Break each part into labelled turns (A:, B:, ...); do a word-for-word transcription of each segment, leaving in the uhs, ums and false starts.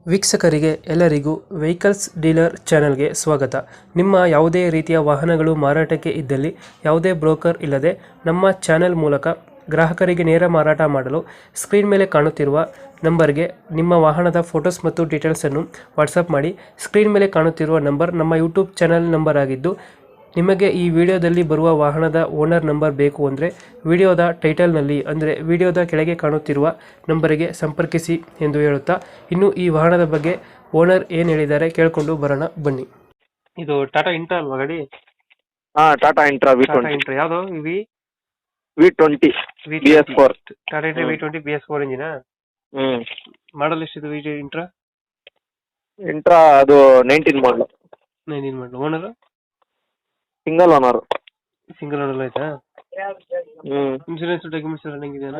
A: ವೀಕ್ಷಕರಿಗೆ ಎಲ್ಲರಿಗೂ vehicles dealer ಚಾನೆಲ್ಗೆ ಸ್ವಾಗತ. ನಿಮ್ಮ ಯಾವುದೇ ರೀತಿಯ ವಾಹನಗಳು ಮಾರಾಟಕ್ಕೆ ಇದ್ದಲ್ಲಿ ಯಾವುದೇ ಬ್ರೋಕರ್ ಇಲ್ಲದೆ ನಮ್ಮ ಚಾನೆಲ್ ಮೂಲಕ ಗ್ರಾಹಕರಿಗೆ ನೇರ ಮಾರಾಟ ಮಾಡಲು ಸ್ಕ್ರೀನ್ ಮೇಲೆ ಕಾಣುತ್ತಿರುವ ನಂಬರ್ಗೆ ನಿಮ್ಮ ವಾಹನದ ಫೋಟೋಸ್ ಮತ್ತು ಡೀಟೇಲ್ಸನ್ನು ವಾಟ್ಸಪ್ ಮಾಡಿ. ಸ್ಕ್ರೀನ್ ಮೇಲೆ ಕಾಣುತ್ತಿರುವ ನಂಬರ್ ನಮ್ಮ ಯೂಟ್ಯೂಬ್ ಚಾನೆಲ್ ನಂಬರ್ ಆಗಿದ್ದು, ನಿಮಗೆ ಈ ವಿಡಿಯೋದಲ್ಲಿ ಬರುವ ವಾಹನದ ಓನರ್ ನಂಬರ್ ಬೇಕು ಅಂದರೆ ವಿಡಿಯೋದ ಟೈಟಲ್ನಲ್ಲಿ ಅಂದರೆ ವಿಡಿಯೋದ ಕೆಳಗೆ ಕಾಣುತ್ತಿರುವ ನಂಬರಿಗೆ ಸಂಪರ್ಕಿಸಿ ಎಂದು ಹೇಳುತ್ತಾ, ಇನ್ನು ಈ ವಾಹನದ ಬಗ್ಗೆ ಓನರ್ ಏನು ಹೇಳಿದ್ದಾರೆ ಕೇಳಿಕೊಂಡು ಬರೋಣ ಬನ್ನಿ. ಇದು ಟಾಟಾ ಇಂಟ್ರಾ ಅಲ್ವಾ ಗಾಡಿ?
B: ಹಾ, Tata Intra V
A: Tata
B: twenty
A: Intra ಯಾವುದು? V
B: V twenty B S four.
A: Tata Intra V twenty B S four ಇಂಜಿನಾ?
B: ಹ್ಮ್
A: ಮಾಡಲ್ ಎಷ್ಟಿದೆ ವಿ ಇಂಟ್ರಾ?
B: ಇಂಟ್ರಾ ಅದು nineteen model,
A: nineteen model. Owner
B: single owner.
A: Single owner ಆಯ್ತಾ?
B: ಹ್ಮ್
A: ಇನ್ಶೂರೆನ್ಸ್ ಡಾಕ್ಯುಮೆಂಟ್ಸ್ ರನ್ನಿಂಗ್ ಇದೆಯಾ?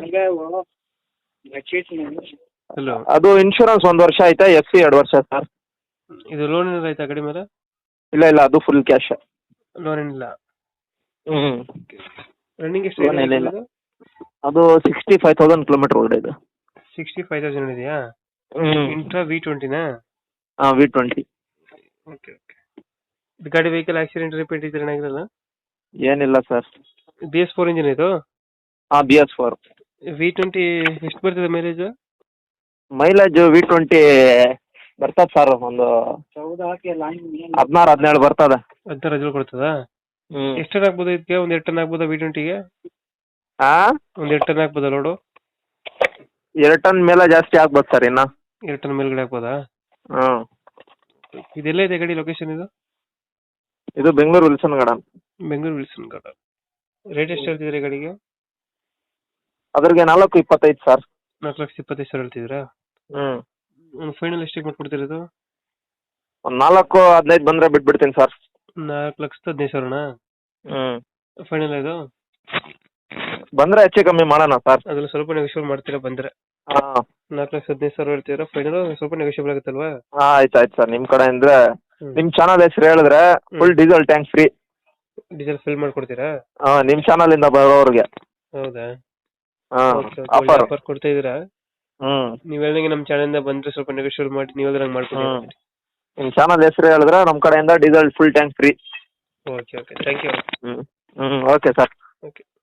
A: Hello,
B: ಅದು insurance ಒಂದ್ ವರ್ಷ ಆಯ್ತಾ, ಎಫ್ ಸಿ ಎರಡು ವರ್ಷ ಸರ್.
A: ಇದು ಲೋನ್ ಏನಾದ್ರು ಆಯ್ತಾ ಗಾಡಿ ಮೇಲೆ?
B: ಇಲ್ಲ ಇಲ್ಲ, ಅದು ಫುಲ್ ಕ್ಯಾಶ್.
A: ಲೋನ್ ಏನಿಲ್ಲ.
B: ಹ್ಮ್
A: ರನ್ನಿಂಗ್ ಎಷ್ಟು
B: ಲೋನ್ ಏನಿಲ್ಲ. ಅದು ಸಿಕ್ಸ್ಟಿ ಫೈವ್ ತೌಸಂಡ್ ಕಿಲೋಮೀಟರ್ ಒಳಗಡೆ ಇದೆ.
A: ಸಿಕ್ಸ್ಟಿ ಫೈವ್ ತೌಸಂಡ್ ಇದೆಯಾ?
B: ಹ್ಮ್
A: ಇಂಟ್ರಾ ವಿ ಟ್ವೆಂಟಿನಾ?
B: ಹಾ, ವಿ ಟ್ವೆಂಟಿ.
A: Okay okay. ಇದು ಗಾಡಿ ವೆಹಿಕಲ್ ಆಕ್ಸಿಡೆಂಟ್ ರಿಪೇಟ್ ಇದ್ರೆ ಏನಾಗಿರಲ್ಲ?
B: ಏನಿಲ್ಲ sir.
A: B S four engine ಇದು?
B: ಹಾ, B S four.
A: V twenty ಎಷ್ಟು ಬರ್ತದೆ ಮೈಲೇಜ್?
B: ಮೈಲೇಜ್ ವಿ ಟ್ವೆಂಟಿ ಬರ್ತದೆ ಸರ್, ಒಂದು ಹದಿನಾರು ಹದಿನೇಳು ಬರ್ತದೆ.
A: ಹದಿನಾರು ಹದಿನೇಳು ಕೊಡ್ತದಾ?
B: ಹ್ಮ್
A: ಎಷ್ಟು ಟನ್ ಆಗ್ಬೋದು ಇದಕ್ಕೆ? ಒಂದ್ ಎರಡು ಟನ್ ಆಗ್ಬೋದಾ ವಿ ಟ್ವೆಂಟಿಗೆ?
B: ಹಾ,
A: ಒಂದ್ ಎರಡು ಟನ್ ಆಗ್ಬೋದಾ ಲೋಡು?
B: ಎರಡು ಟನ್ ಮೇಲೆ ಜಾಸ್ತಿ ಆಗ್ಬೋದು ಸರ್ ಇನ್ನ.
A: ಎರಡು ಟನ್ ಮೇಲ್ಗಡೆ ಆಗ್ಬೋದಾ?
B: ಹ್ಮ್
A: ಇದೆಲ್ಲ ಇದೆ ಗಾಡಿ ಲೊಕೇಶನ್ ಇದು?
B: ಇದು Bengaluru Wilson Garden.
A: Bengaluru Wilson Garden. Rate ಎಷ್ಟು ಹೇಳ್ತಿದ್ರಿ ಗಾಡಿಗೆ?
B: ಅದ್ರಿಗೆ ನಾಲ್ಕು ಇಪ್ಪತ್ತೈದು ಸರ್.
A: ನಾಲ್ಕು ಲಕ್ಷ ಇಪ್ಪತ್ತೈದು ಸಾವಿರ ಹೇಳ್ತಿದ್ರಾ?
B: ಹ್ಮ್
A: ಒಂದು ಫೈನಲ್ ಎಷ್ಟಿಗೆ ಮಾಡ್ಕೊಡ್ತಿರೋದು?
B: ಒಂದ್ ನಾಲ್ಕು ಹದಿನೈದು ಬಂದ್ರೆ ಬಿಟ್ಬಿಡ್ತೀನಿ ಸರ್.
A: ನಾಲ್ಕು ಲಕ್ಷದ ಹದಿನೈದು ಸಾವಿರನಾ?
B: ಹ್ಮ್
A: ಫೈನಲ್ ಇದು?
B: ಬಂದ್ರೆ ಹೆಚ್ಚು ಕಮ್ಮಿ ಮಾಡೋಣ ಸರ್.
A: ಅದ್ರಲ್ಲಿ ಸ್ವಲ್ಪ ನೆಗೋಷಿಯೇಟ್ ಮಾಡ್ತೀರಾ ಬಂದ್ರೆ?
B: ಹಾ
A: ನಾಲ್ಕು ಲಕ್ಷ ಹದಿನೈದು ಸಾವಿರ ಹೇಳ್ತೀರಾ, ಫೈನಲ್ ಸ್ವಲ್ಪ ನೆಗೋಷಿಯೇಬಲ್ ಆಗುತ್ತಲ್ವಾ?
B: ಹಾ, ಆಯ್ತು ಆಯ್ತು ಸರ್. ನಿಮ್ ಕಡೆ ಅಂದ್ರೆ
A: ಹ್ಮ್.
B: ನಿಮ್ ಚಾನಲ್ ಹೆಸರು ಹೇಳಿದ್ರೆ full diesel tank free.
A: Diesel fill ಮಾಡ್ಕೊಡ್ತೀರಾ?
B: ಹಾ, ನಿಮ್ ಚಾನಲ್ ಇಂದ ಬರೋರ್ಗೆ.
A: ಹೌದಾ?
B: ಹಾ,
A: Okay, okay. ಒಳ್ಳೆ
B: ಆಫರ್.
A: ಆಫರ್ ಕೊಡ್ತಾ ಇದೀರಾ.
B: ಹ್ಮ್
A: ನೀವ್ ಹೇಳ್ದಂಗೆ ನಮ್ಮ ಚಾನಲ್ ಇಂದ ಬಂದ್ರೆ ಸ್ವಲ್ಪ ನೆಗೋಷಿಯೇಟ್ ಮಾಡಿ ನೀವು ಹೇಳ್ದಂಗೆ
B: ಹ್ಮ್
A: ಮಾಡ್ಕೊಡಿ.
B: ನಿಮ್ ಚಾನಲ್ ಹೆಸರು ಹೇಳಿದ್ರೆ ನಮ್ ಕಡೆಯಿಂದ diesel full tank free.
A: Okay okay, thank you.
B: Hmm hmm okay sir.
A: Okay.